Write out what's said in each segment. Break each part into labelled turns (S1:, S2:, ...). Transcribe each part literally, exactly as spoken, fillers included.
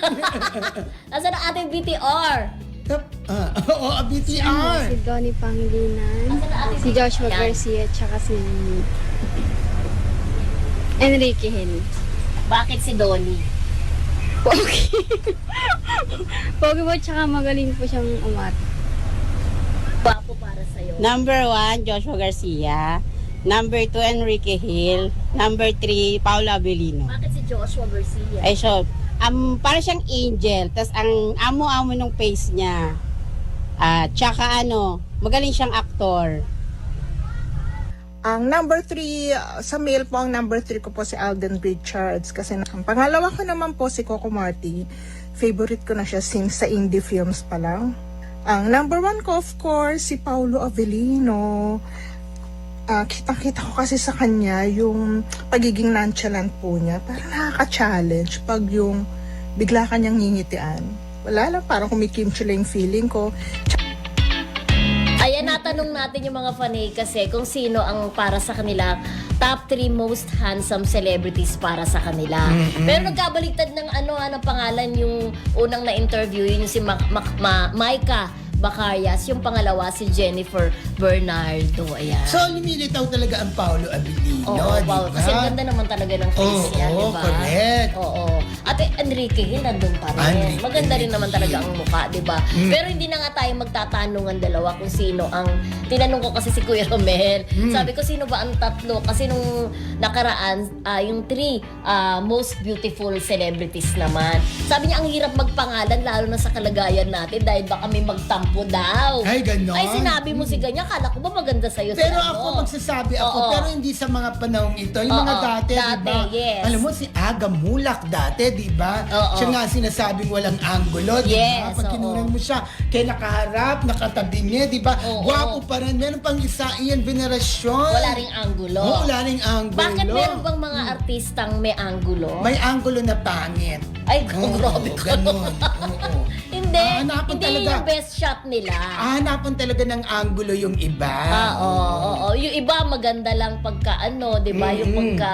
S1: Nasaan ang ating B T R?
S2: Ah, Oo, B T R.
S3: Si Donnie Pangilinan, si Joshua Garcia, tsaka si Enrique Hill.
S1: Bakit si Donnie?
S3: Pogi. Pogi po, tsaka magaling po siyang umat.
S1: Gwapo para sa'yo.
S4: Number one, Joshua Garcia. Number two, Enrique Hill. Number three, Paolo Avellino.
S1: Bakit si Joshua Garcia?
S4: Ay, so, um, para siyang angel. Tapos ang amo-amo ng face niya. At tsaka ano, magaling siyang aktor.
S5: Ang number three, uh, sa male po, ang number three ko po si Alden Richards. Kasi ang pangalawa ko naman po si Coco Marti. Favorite ko na siya since sa indie films pa lang. Ang number one ko, of course, si Paolo Avellino. Uh, kitang-kita ko kasi sa kanya yung pagiging nonchalant po niya. Parang nakaka-challenge pag yung bigla kanyang ngingitian. Wala lang, parang kumikimchi lang yung feeling ko.
S1: Ayan, natanong natin yung mga fanay kasi kung sino ang para sa kanila top three most handsome celebrities para sa kanila.
S2: Mm-mm.
S1: Pero nagkabaliktad ng ano, ano pangalan yung unang na-interview, yun yung si Ma- Ma- Ma- Maika Bacarias, yung pangalawa si Jennifer Bernardo. Ayan.
S2: So, lumilitaw talaga ang Paolo Avellino,
S1: Oo,
S2: di
S1: wow.
S2: ba?
S1: Kasi ang ganda naman talaga ng face
S2: Oo,
S1: niya, di ba?
S2: correct.
S1: Oo. At eh, Enrique Hill, nandun pa rin.
S2: Enrique
S1: Maganda rin
S2: Hill.
S1: naman talaga ang mukha, di ba?
S2: Mm.
S1: Pero hindi na nga tayo magtatanungan dalawa kung sino ang... Tinanong ko kasi si Kuya Romel.
S2: Mm.
S1: Sabi ko, sino ba ang tatlo? Kasi nung nakaraan, ah, yung three ah, most beautiful celebrities naman. Sabi niya, ang hirap magpangalan, lalo na sa kalagayan natin dahil baka may magtampo daw.
S2: Ay, ganon.
S1: Ay, sinabi mo si ganyan. Kala ko ba maganda sa'yo
S2: Pero
S1: si
S2: ako,
S1: ano?
S2: magsasabi ako,
S1: Oo.
S2: pero hindi sa mga panahong ito. Yung
S1: Oo,
S2: mga dati,
S1: dati,
S2: di ba?
S1: yes.
S2: Alam mo, si Aga Mulak dati, di ba?
S1: Oo.
S2: Siya nga sinasabing walang anggulo, di ba?
S1: Yes,
S2: Pag
S1: oo.
S2: kinunan mo siya, kaya nakaharap, nakatabi niya, di ba?
S1: Oo.
S2: Gwapo pa rin. Meron pang isa, Ian Veneracion.
S1: Wala ring anggulo.
S2: Oo, wala ring anggulo.
S1: Bakit meron bang mga artistang may anggulo?
S2: May anggulo na pangit.
S1: Ay,
S2: Oo,
S1: grabe ka.
S2: ganon. Oo.
S1: Hindi,
S2: Ah, hanapan
S1: hindi
S2: talaga.
S1: yung best shot nila.
S2: Ah, hanapan talaga ng anggulo yung iba.
S1: Ah, oo, oo, oo. Yung iba maganda lang pagka ano, 'di ba? Yung
S2: Mm-mm.
S1: pagka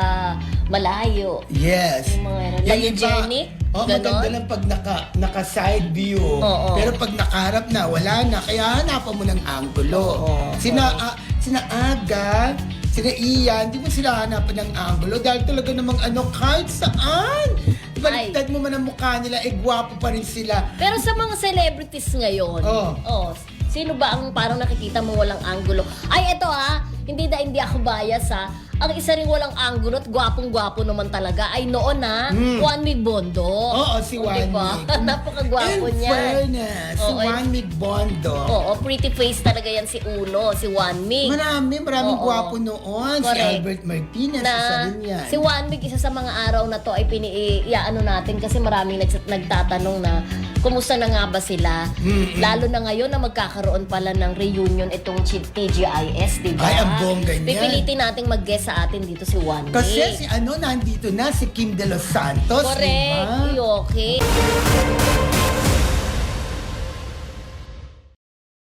S1: malayo.
S2: Yes.
S1: Yung mga ano, Lagigenic,
S2: Oh,
S1: ganon?
S2: maganda lang pag naka, naka side view.
S1: Oo.
S2: Pero pag nakaharap na, wala na. Kaya hanapan mo ng anggulo.
S1: Oo.
S2: Sina, ah, sina Aga, sina Ian, di mo sila hanapan ng anggulo dahil talaga namang ano, kahit saan. Baliktad mo man ang mukha nila, eh gwapo pa rin sila.
S1: Pero sa mga celebrities ngayon,
S2: Oo.
S1: oh, sino ba ang parang nakikita mo walang anggulo? Ay, eto ha, hindi da hindi ako bias ha. Ang isa ring walang anggulo at gwapong-gwapo naman talaga ay noon na
S2: Hmm.
S1: Juan Mig Bondo.
S2: Oo, si
S1: O,
S2: Juan
S1: diba?
S2: Mig.
S1: Napakagwapo
S2: In
S1: niya.
S2: fairness, si
S1: Oo,
S2: Juan Mig Bondo.
S1: Oo, pretty face talaga yan si Uno, si Juan Mig.
S2: Marami, maraming
S1: Oo.
S2: gwapo noon. Si
S1: Correct.
S2: Albert Martinez,
S1: Na
S2: isa rin yan.
S1: si Juan Mig, isa sa mga araw na to ay piniiyaano natin kasi maraming nags- nagtatanong na kumusta na nga ba sila?
S2: Mm-mm.
S1: Lalo na ngayon na magkakaroon pala ng reunion itong T G I S, di ba?
S2: Ay, ang bongga niyan.
S1: Pipilitin nating mag-guest sa atin dito si Juan Mig.
S2: Kasi si ano, nandito na, si Kim De Los Santos,
S1: Correct.
S2: di ba?
S1: Okay.